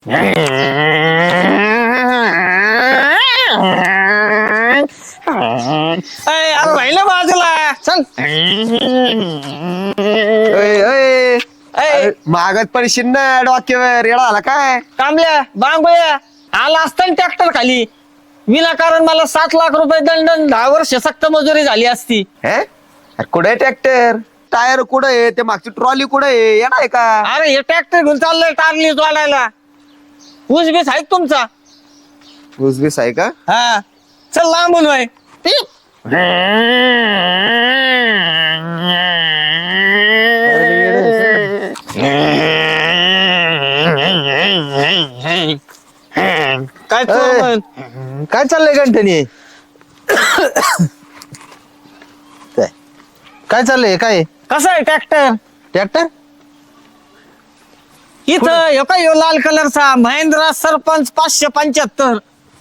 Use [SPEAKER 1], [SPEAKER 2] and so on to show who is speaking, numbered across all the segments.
[SPEAKER 1] अरे राहिलं बाजूला चल.
[SPEAKER 2] मागत पडशील ना डोक्यावर येडा आला काय
[SPEAKER 1] कामल्या बांगोया आला असता ट्रॅक्टर खाली विनाकारण मला 7 लाख रुपये दंड 10 वर्ष सक्त मजुरी झाली असती.
[SPEAKER 2] कुठे ट्रॅक्टर टायर कुठे ते मागची ट्रॉली कुठे येणार आहे का?
[SPEAKER 1] अरे हे ट्रॅक्टर घेऊन चाललंय टारली वाढायला. ऊस बीस आहे का तुमचा?
[SPEAKER 2] ऊसबीस आहे का?
[SPEAKER 1] हा चल लांबून वय काय
[SPEAKER 2] काय चाललंय गंठनी? काय चाललंय काय?
[SPEAKER 1] कसं आहे ट्रॅक्टर?
[SPEAKER 2] ट्रॅक्टर
[SPEAKER 1] इथं ह्यो काय ह्यो लाल कलरचा महिंद्रा सरपंच 575.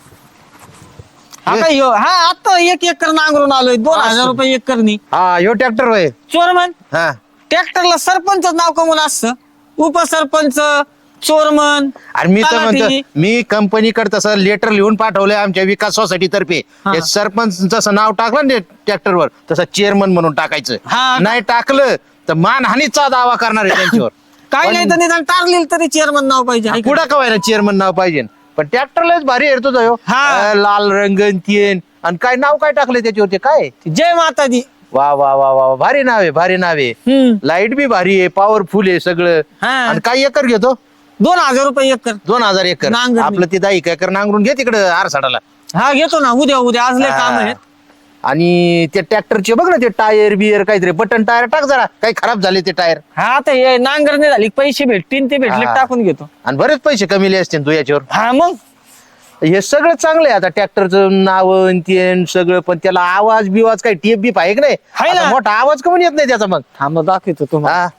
[SPEAKER 1] आता ह्यो हा आता 1 एकर नांगरून आलोय 2000 रुपये एकरनी.
[SPEAKER 2] हा ह्यो ट्रॅक्टर होय.
[SPEAKER 1] चोरमन
[SPEAKER 2] हा
[SPEAKER 1] ट्रॅक्टरला सरपंच नाव कमून असतं. उपसरपंच चोरमन.
[SPEAKER 2] आणि मी तर
[SPEAKER 1] तलाठी.
[SPEAKER 2] म्हणतो मी कंपनीकडे तसं लेटर लिहून पाठवलंय आमच्या विकास सोसायटी तर्फे. हे सरपंच जसं नाव टाकलं ना ट्रॅक्टरवर तसं चेअरमन म्हणून टाकायचं.
[SPEAKER 1] हा.
[SPEAKER 2] नाही टाकलं तर मानहानीचा दावा करणार आहे त्यांच्यावर.
[SPEAKER 1] काय नाही तर निदान टारलेलं तरी चेअरमन नाव पाहिजे आहे का?
[SPEAKER 2] पुढं कवायला चेअरमन नाव पाहिजे पण ट्रॅक्टरलाच भारी आहे तुझं ह्यो.
[SPEAKER 1] हा.
[SPEAKER 2] लाल रंगन तीन आणि काय नाव काय टाकलंय त्याच्यावरती काय?
[SPEAKER 1] जय माता दी.
[SPEAKER 2] वा वा वा वा भारी नाव आहे भारी नाव आहे. लाईट बी भारी आहे पॉवरफुल आहे सगळं.
[SPEAKER 1] हा.
[SPEAKER 2] आणि काय एकर घेतो?
[SPEAKER 1] 2000 रुपये एकर.
[SPEAKER 2] 2000 एकर.
[SPEAKER 1] नांगरणी.
[SPEAKER 2] आपलं ते 10 एकर नांगरून घे तिकडे आरसाडाला.
[SPEAKER 1] हा घेतो ना उद्या आज लय काम आहेत.
[SPEAKER 2] आणि ते ट्रॅक्टरचे बघ ना ते टायर बियर काहीतरी बटन टायर टाक जरा काही खराब झाले ते टायर.
[SPEAKER 1] हा आता हे नांगरणी झाली पैसे भेटतील ते भेटले
[SPEAKER 2] हा.
[SPEAKER 1] टाकून घेतो.
[SPEAKER 2] आणि बरेच पैसे कमीले असतील तू याच्यावर.
[SPEAKER 1] हा मग
[SPEAKER 2] हे सगळं चांगलं आहे आता ट्रॅक्टरचं नाव ते सगळं पण त्याला आवाज बिवाज काही टेप बीप आहे की नाही?
[SPEAKER 1] आहे ना.
[SPEAKER 2] आता मोठा आवाज कमी येत नाही त्याचा मग.
[SPEAKER 1] हा मग दाखवतो तुम्हाला.
[SPEAKER 2] हा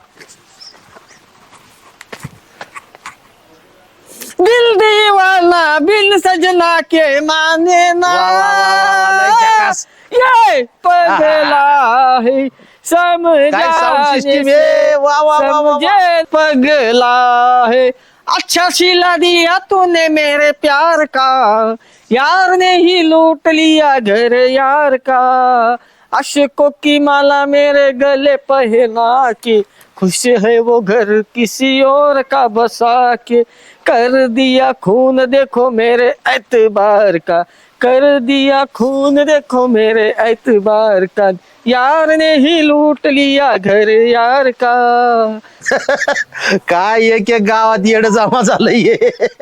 [SPEAKER 1] दिल दीवाना बिन सजना के माने ना.
[SPEAKER 2] वा, वा, वा, वा, लय झकास.
[SPEAKER 1] ये पगला है
[SPEAKER 2] काय sound system आहे? वा, वा, वा, वा, वा.
[SPEAKER 1] समझे पगला है. अच्छा सिला दिया तूने मेरे प्यार का यार ने ही लूट लिया घर यार का अशकों की माला मेरे गले पहना के खुश है वो घर किसी और का बसा के कर दिया खून देखो मेरे एतबार का कर दिया खून देखो मेरे एतबार का यार ने ही लूट लिया घर यार का.
[SPEAKER 2] काय एक गावात येड जमा झालंय.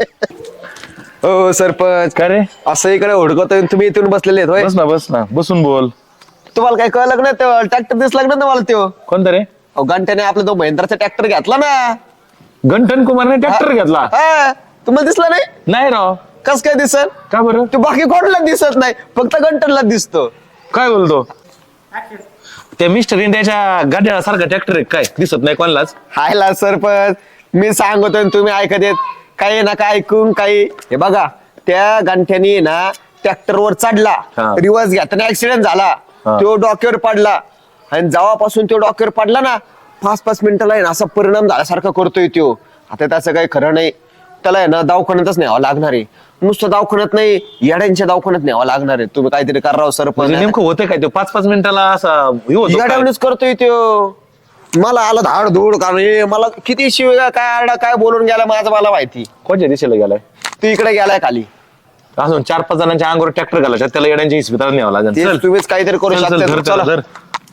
[SPEAKER 3] हो सरपंच
[SPEAKER 4] काय रे?
[SPEAKER 3] असं इकडे हुडकतोय तुम्ही इथून बसलेले आहेत होय?
[SPEAKER 4] बस ना बसून बोल.
[SPEAKER 3] तुम्हाला काय कळलं नाही ट्रॅक्टर दिसला ना तुम्हाला त्यो?
[SPEAKER 4] कोणतं रे?
[SPEAKER 3] अहो घंट्याने आपला तो महिंद्राचा ट्रॅक्टर घेतला ना.
[SPEAKER 4] गंठन कुमारने ट्रॅक्टर घेतला?
[SPEAKER 3] हा, तुम्हाला दिसला नाही?
[SPEAKER 4] नाही राव.
[SPEAKER 3] कस काय दिसत?
[SPEAKER 4] का बरं?
[SPEAKER 3] तो बाकी कोणाला दिसत नाही फक्त घंटनला दिसतो.
[SPEAKER 4] काय बोलतो? ते मिस्टर इंडियाच्या गाड्या सारखा ट्रॅक्टर आहे काय दिसत नाही कोणालाच?
[SPEAKER 3] हायला सरपंच मी सांगतोय आणि तुम्ही ऐकत येत काही ना काय ऐकून काही. हे बघा त्या गंठ्यानी ना ट्रॅक्टरवर चढला
[SPEAKER 4] हा.
[SPEAKER 3] रिवर्स घेताना ऍक्सिडेंट झाला.
[SPEAKER 4] हा.
[SPEAKER 3] तो डोक्यावर पडला आणि जेव्हापासून तो डोक्यावर पडला ना 5-5 मिनिटाला आहे ना असा परिणाम झाल्यासारखा करतोय तो. आता त्याचं काही खरं नाही. त्याला आहे ना दवाखान्यातच न्यावं लागणार आहे. नुसतं दवाखान्यात नाही येड्यांच्या दवाखान्यात न्यावं लागणार आहे. तुम्ही काहीतरी करावं सरपंच.
[SPEAKER 4] म्हणजे नेमकं होतं काय? तो 5-5 मिनिटाला असा हे होतो काय?
[SPEAKER 3] येड्यावणीच करतोय तो. मला आलं धाड धूड कारण हे मला किती शिवाय काय आरडा काय बोलून गेला माझं मला माहिती.
[SPEAKER 4] कोणत्या दिशेला गेलाय?
[SPEAKER 3] तू इकडे गेलाय खाली.
[SPEAKER 4] अजून 4-5 जणांच्या अंगावर ट्रॅक्टर घालायचा त्याला येड्यांच्या इस्पितळात न्यावं लागेल.
[SPEAKER 3] ते
[SPEAKER 4] चल
[SPEAKER 3] तुम्हीच काहीतरी करू
[SPEAKER 4] चल, चल,
[SPEAKER 3] शकता.
[SPEAKER 4] धर,
[SPEAKER 3] चला.
[SPEAKER 4] धर.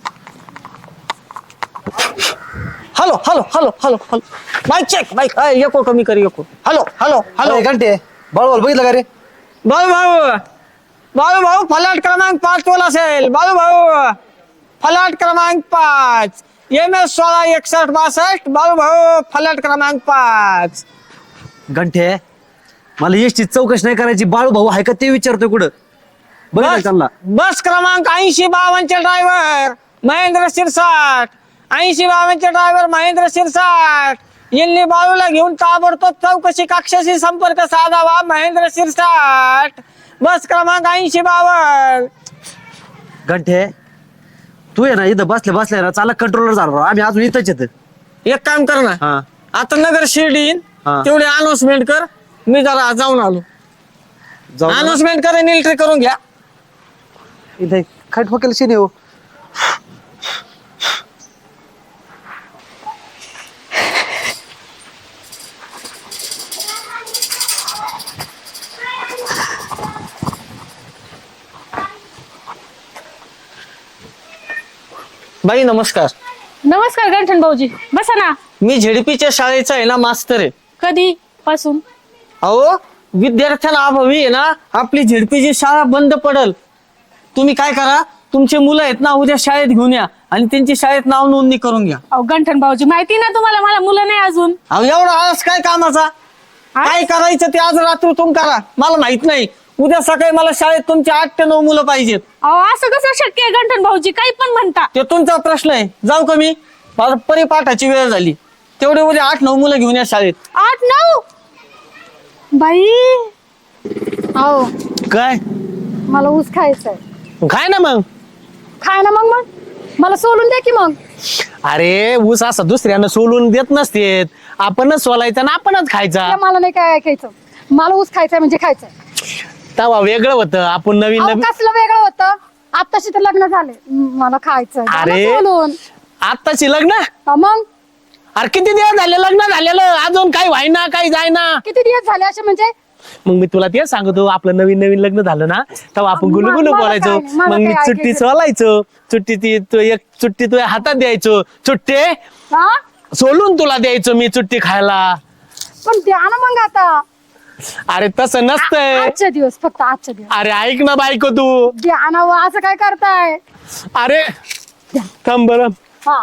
[SPEAKER 1] Hello hello hello hello hello mike check mike echo कमी कर एको. हॅलो हॅलो हॅलो
[SPEAKER 2] घंटे बरोबर बघितलं का रे?
[SPEAKER 1] बाळू भाऊ बाळू भाऊ फलाट क्रमांक 5 तोल असेल. बाळू भाऊ फलाट क्रमांक 5 MS 166162. बाळू भाऊ फलाट क्रमांक 5.
[SPEAKER 5] घंटे मला एसटी चौकशी नाही करायची. बाळू भाऊ आहे का ते विचारतोय कुठं बघा त्यांना.
[SPEAKER 1] बस क्रमांक 8052 चे ड्रायव्हर महेंद्र शिरसाट. 8052 चे ड्रायव्हर महेंद्र शिरसाट यांनी बाळूला घेऊन ताबडतोब चौकशी कक्षाशी संपर्क साधावा. महेंद्र शिरसाट बस क्रमांक 8052.
[SPEAKER 5] घंटे तू आहे ना इथं बसल्या ना चालक कंट्रोलर झाला. आम्ही अजून इथंच येत.
[SPEAKER 1] एक काम कर ना
[SPEAKER 5] हा
[SPEAKER 1] आता नगर शिर्डी
[SPEAKER 5] हा.
[SPEAKER 1] तेवढी अनाउन्समेंट कर मी जरा जाऊन आलो. अनाउन्समेंट करेन, एंट्री करून घ्या.
[SPEAKER 5] इथे खट फकेल शिने हो.
[SPEAKER 1] बाई नमस्कार.
[SPEAKER 6] नमस्कार गंठन भाऊजी, बसा ना.
[SPEAKER 1] मी झेडपीच्या शाळेचा आहे ना मास्तर आहे.
[SPEAKER 6] कधी पासून?
[SPEAKER 1] अहो विद्यार्थ्यांना अभावी आहे ना आपली झेडपीची शाळा बंद पडल. तुम्ही काय करा, तुमचे मुलं आहेत ना उद्या शाळेत घेऊन या आणि त्यांची शाळेत नाव नोंदणी करून घ्या.
[SPEAKER 6] अहो गंठन भाऊजी, माहिती ना तुम्हाला, मला मुलं नाही अजून.
[SPEAKER 1] अहो एवढा आळस काय कामाचा? काय करायचं ते आज रात्रीतून करा, मला माहित नाही. उद्या सकाळी मला शाळेत तुमचे 8 ते 9 मुलं पाहिजेत.
[SPEAKER 6] अहो असं कसं शक्य आहे गंठन भाऊजी, काही पण म्हणता.
[SPEAKER 1] ते तुमचा प्रश्न आहे. जाऊ का मी? माझं परिपाठाची वेळ झाली. तेवढे उद्या 8-9 मुलं घेऊन या शाळेत.
[SPEAKER 6] 8-9 बाई. अहो
[SPEAKER 1] काय
[SPEAKER 6] मला ऊस खायचंय.
[SPEAKER 1] काय ना मग?
[SPEAKER 6] खाय ना मग. मला सोलून द्या की मग.
[SPEAKER 1] अरे ऊस असं दुसऱ्यानं सोलून देत नसते, आपणच सोलायचा ना आपणच खायचा.
[SPEAKER 6] मला नाही काय ऐकायचं, मला ऊस खायचंय म्हणजे खायचंय.
[SPEAKER 1] तेव्हा वेगळं होतं, आपण नवीन
[SPEAKER 6] अहो,
[SPEAKER 1] नवीन.
[SPEAKER 6] कसलं वेगळं होतं? आत्ताशी तर लग्न झाले, मला खायचंय. द्या ना
[SPEAKER 1] अरे.
[SPEAKER 6] सोलून.
[SPEAKER 1] आत्ताची लग्न?
[SPEAKER 6] मग
[SPEAKER 1] अरे किती दिवस झाले लग्न झालेलं, अजून काही व्हायना काही जायना.
[SPEAKER 6] किती दिवस झाले असे म्हणजे?
[SPEAKER 1] मग मी तुला तेच सांगतो, आपलं नवीन नवीन लग्न झालं ना तेव्हा आपण गुलू गुलू
[SPEAKER 6] मला
[SPEAKER 1] बोलायचो.
[SPEAKER 6] काय- मला
[SPEAKER 1] मग मी
[SPEAKER 6] काय
[SPEAKER 1] चुट्टी
[SPEAKER 6] ऐकायचं?
[SPEAKER 1] सोलायचो, एक चुट्टी तुझ्या हातात द्यायचो, चुट्टे
[SPEAKER 6] हा
[SPEAKER 1] सोलून तुला द्यायचो मी चुट्टी खायला.
[SPEAKER 6] पण द्या ना मग आता.
[SPEAKER 1] अरे तसं नसतंय.
[SPEAKER 6] आजचे दिवस, फक्त आजचे दिवस
[SPEAKER 1] अरे ऐक ना बायको तू.
[SPEAKER 6] द्या ना. असं काय करताय?
[SPEAKER 1] अरे थांब बरं.
[SPEAKER 6] हा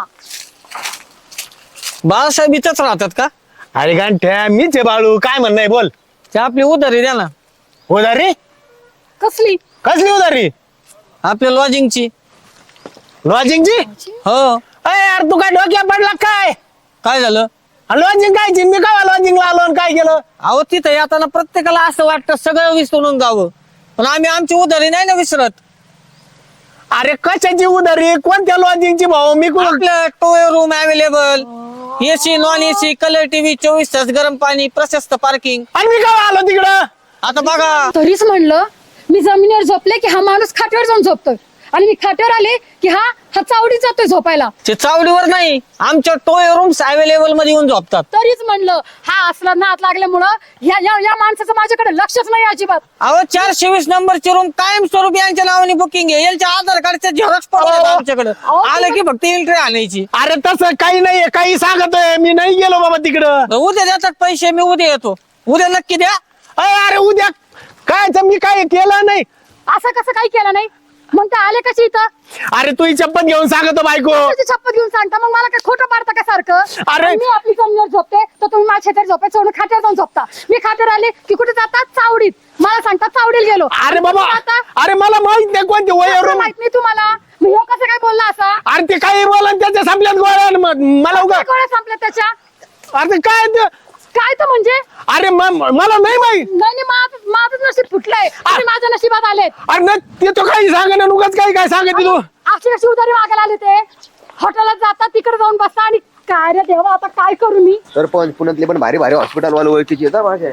[SPEAKER 1] बाळासाहेब इथंच राहतात का?
[SPEAKER 4] अरे गांठ्या मीच आहे बाळू, काय म्हणणं आहे बोल.
[SPEAKER 1] ते आपली उधारी द्या ना.
[SPEAKER 4] उधारी?
[SPEAKER 6] कसली?
[SPEAKER 4] कसली उधारी?
[SPEAKER 1] आपल्या लॉजिंगची.
[SPEAKER 4] लॉजिंगची?
[SPEAKER 1] हो.
[SPEAKER 4] अरे यार तू काय डोक्या पडला काय?
[SPEAKER 1] काय झालं?
[SPEAKER 4] लॉजिंग काय? मी काय लॉजिंगला आलो आणि काय केलं?
[SPEAKER 1] अहो तिथं येताना प्रत्येकाला असं वाटतं सगळं विसरून जावं, पण आम्ही आमची उधारी नाही ना विसरत.
[SPEAKER 4] अरे कशाची उधारी? कोणत्या लॉजिंगची भाऊ? मी कुठं?
[SPEAKER 1] आपलं two room available, AC non AC, colour TV, 24 तास गरम पाणी, प्रशस्त पार्किंग.
[SPEAKER 4] आणि मी काय आलो तिकडं?
[SPEAKER 1] आता बघा,
[SPEAKER 6] तरीच म्हणलं मी जमिनीवर झोपले की हा माणूस खाट्यावर जाऊन झोपतोय, आणि मी खाट्यावर आले की हा चावडीत जातोय झोपायला.
[SPEAKER 1] ते चावडीवर नाही, आमच्या टोय रूम्स अवेलेबल मध्ये येऊन झोपतात.
[SPEAKER 6] तरीच म्हणलं हा असला नात लागल्यामुळं या माणसाचं माझ्याकडे लक्षच नाही अजिबात.
[SPEAKER 1] अहो 420 नंबरची रूम कायम स्वरूपी यांच्या नावाने बुकिंग आहे. यांच्या आधार कार्डचे झेरॉक्स पडले आमच्याकडे.
[SPEAKER 6] अहो,
[SPEAKER 1] आलं की फक्त एंट्री आणायची.
[SPEAKER 4] अरे तसं काही नाहीये, काही सांगतोय मी, नाही गेलो बाबा तिकडं.
[SPEAKER 1] उद्या देतात पैसे, मी उद्या येतो. उद्या नक्की द्या.
[SPEAKER 4] अरे उद्या काय तर मी काय केलं नाही.
[SPEAKER 6] असं कसं काही केलं नाही? मग ते आले कशी इथं?
[SPEAKER 4] अरे तू ही चप्पल घेऊन सांगतो बायको.
[SPEAKER 6] तुझी छप्पत घेऊन सांगता, मग मला काय खोटं पाडता का सारखं?
[SPEAKER 4] अरे.
[SPEAKER 6] आणि मी आपली जमिनीवर झोपते तर तुम्ही माझ्या शेतात झोपायचं सोडून खाट्यावर जाऊन झोपता. मी खाट्यावर आले की कुठे जातात? चावडीत. मला सांगतात चावडीला गेलो.
[SPEAKER 4] अरे बाबा,
[SPEAKER 6] तुम्ही जाता?
[SPEAKER 4] अरे मला माहित नाही कोणते
[SPEAKER 6] कसं
[SPEAKER 4] वय.
[SPEAKER 6] माहित नाही तुम्हाला? मी हे कसं काय बोलला असा?
[SPEAKER 4] अरे ते काही बोला त्याच्या संपल्यात गोळ्या मला उगा.
[SPEAKER 6] काय गोळ्या संपल्या त्याच्या?
[SPEAKER 4] अरे काय ते?
[SPEAKER 6] काय तर म्हणजे?
[SPEAKER 4] अरे मला नाही माहित.
[SPEAKER 6] नाही माझं नशीब फुटलंय. तुम्ही माझ्या नशिबात आलेत.
[SPEAKER 4] अरे नाही, ते तो काही सांग ना, उगाच काय सांगते तू.
[SPEAKER 6] अशी कशी उधारी मागायला आले ते? हॉटेलात जातात, तिकडे जाऊन बसता, आणि काय रे देवा, आता काय करू मी?
[SPEAKER 3] तर पण पुण्यातले पण भारी भारी हॉस्पिटल वाले ओळखीचे येतात माझ्या.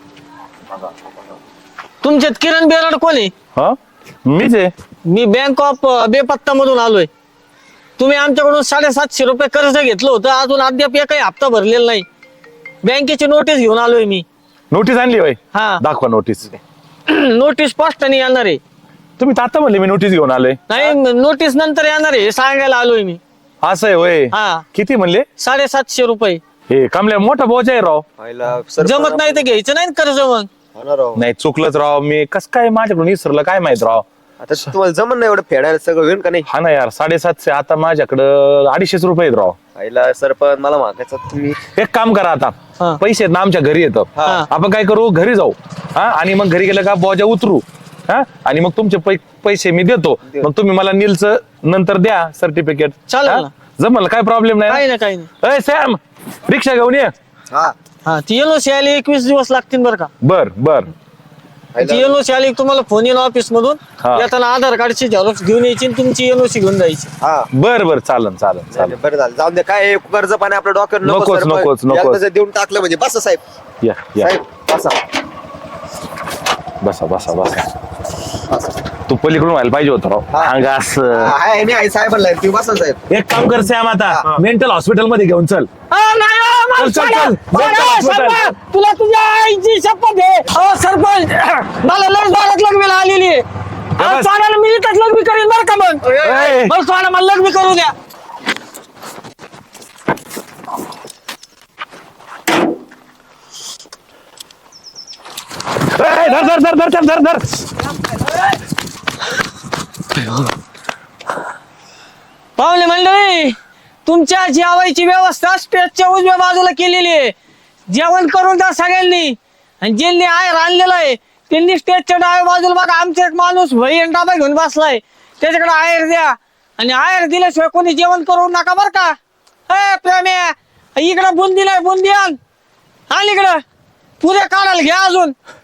[SPEAKER 1] तुमच्यात किरण बेराड कोण आहे?
[SPEAKER 4] हा मीच आहे.
[SPEAKER 1] मी बँक ऑफ बेपत्ता मधून आलोय. तुम्ही आमच्याकडून 750 रुपये कर्ज घेतलं होतं, अजून अद्याप एकही हप्ता भरलेला नाही. बँकेची नोटीस घेऊन आलोय मी.
[SPEAKER 4] नोटीस आणली होय?
[SPEAKER 1] हा.
[SPEAKER 4] दाखवा नोटीस.
[SPEAKER 1] नोटीस पोस्टाने येणार आहे.
[SPEAKER 4] तुम्ही आता म्हणले मी नोटीस घेऊन आलोय.
[SPEAKER 1] नाही, नोटीस नंतर येणार आहे, हे सांगायला आलोय मी.
[SPEAKER 4] असं आहे होय?
[SPEAKER 1] हा.
[SPEAKER 4] किती म्हणले?
[SPEAKER 1] 750 रुपये.
[SPEAKER 4] हे कमल्या मोठा बोज आहे राव.
[SPEAKER 1] जमत नाही तर घ्यायचं नाही ना कर्ज मग.
[SPEAKER 4] नाही चुकलंच राव, मी कस काय माझ्याकडून विसरलं काय माहित राव.
[SPEAKER 3] आता तुम्हाला जमन नाही एवढं फेडायला, सगळं होईल का नाही?
[SPEAKER 4] हा ना यार, 750 आता माझ्याकडं 250 रुपये आहेत राव.
[SPEAKER 3] आईला सरपंच मला मागायचं तुम्ही.
[SPEAKER 4] एक काम करा आता,
[SPEAKER 1] हा.
[SPEAKER 4] पैसे आहेत ना आमच्या घरी येतं.
[SPEAKER 1] हा.
[SPEAKER 4] आपण काय करू, घरी जाऊ. हा, आणि मग घरी गेलं का बोजा उतरू. हा, आणि मग तुमचे पैसे मी देतो. मग तुम्ही मला नीलचं नंतर द्या सर्टिफिकेट.
[SPEAKER 1] चालेल ना.
[SPEAKER 4] जमल, काय प्रॉब्लेम
[SPEAKER 1] काही
[SPEAKER 4] नाही.
[SPEAKER 1] ना काही नाही.
[SPEAKER 4] अय सॅम, रिक्षा घेऊन ये.
[SPEAKER 3] हा
[SPEAKER 1] हा, ती एनओसी आली 21 दिवस लागतील बरं का.
[SPEAKER 4] बर बर.
[SPEAKER 1] ती एनओसी आली की तुम्हाला फोन येईल ऑफिस मधून.
[SPEAKER 4] हा.
[SPEAKER 1] येताना आधार कार्डची झेरॉक्स घेऊन यायची आणि तुमची एनओसी घेऊन जायची.
[SPEAKER 3] हा
[SPEAKER 4] बर बर, चालन चालन चालन.
[SPEAKER 3] बरं झालं, जाऊन दे. काय कर्ज पाणी आपल्या डॉक्टर
[SPEAKER 4] नकोच, नकोच, नकोच.
[SPEAKER 3] देऊन टाकलं म्हणजे बस साहेब.
[SPEAKER 4] या या.
[SPEAKER 3] साहेब बसा.
[SPEAKER 4] बसा बसा बसा तू पलीकडून व्हायला पाहिजे होतं राव अंग असं
[SPEAKER 3] आहे मी आई साहेबांना तुम्ही बसा साहेब.
[SPEAKER 4] एक काम कर सॅम आता मेंटल हॉस्पिटल मध्ये घेऊन चल
[SPEAKER 1] नाही हो, मला
[SPEAKER 4] चल, चल,
[SPEAKER 1] सोडा.
[SPEAKER 4] चल.
[SPEAKER 1] सोडा,
[SPEAKER 4] चल, चल,
[SPEAKER 1] सरपंच.
[SPEAKER 4] चल.
[SPEAKER 1] तुला तुझ्या आईची शपथ आहे अहो सरपंच मला लस भारत लग्नाला आलेली आहे अहो,
[SPEAKER 4] बस.
[SPEAKER 1] सोडायला मी इथंच लग्न करीन बरं का मग
[SPEAKER 4] ए.
[SPEAKER 1] मला सोडा मला लग्न करू द्या
[SPEAKER 4] ए, धर धर धर धर धर धर
[SPEAKER 1] पाहुणे मंडळी तुमच्या जेवायची व्यवस्था स्टेजच्या उजव्या बाजूला केलेली आहे जेवण करून द्या सगळ्यांनी आणि ज्यांनी आयर आणलेला आहे त्यांनी स्टेजच्या डाव्या बाजूला बघा आमचा एक माणूस वही आणि डाबा घेऊन बसलाय त्याच्याकडे आयर द्या आणि आयर दिल्याशिवाय कोणी जेवण करू नका बर का ए प्रेम्या इकडं बुंदीला बुंदी आण इकडं पुऱ्या काढायला घ्या अजून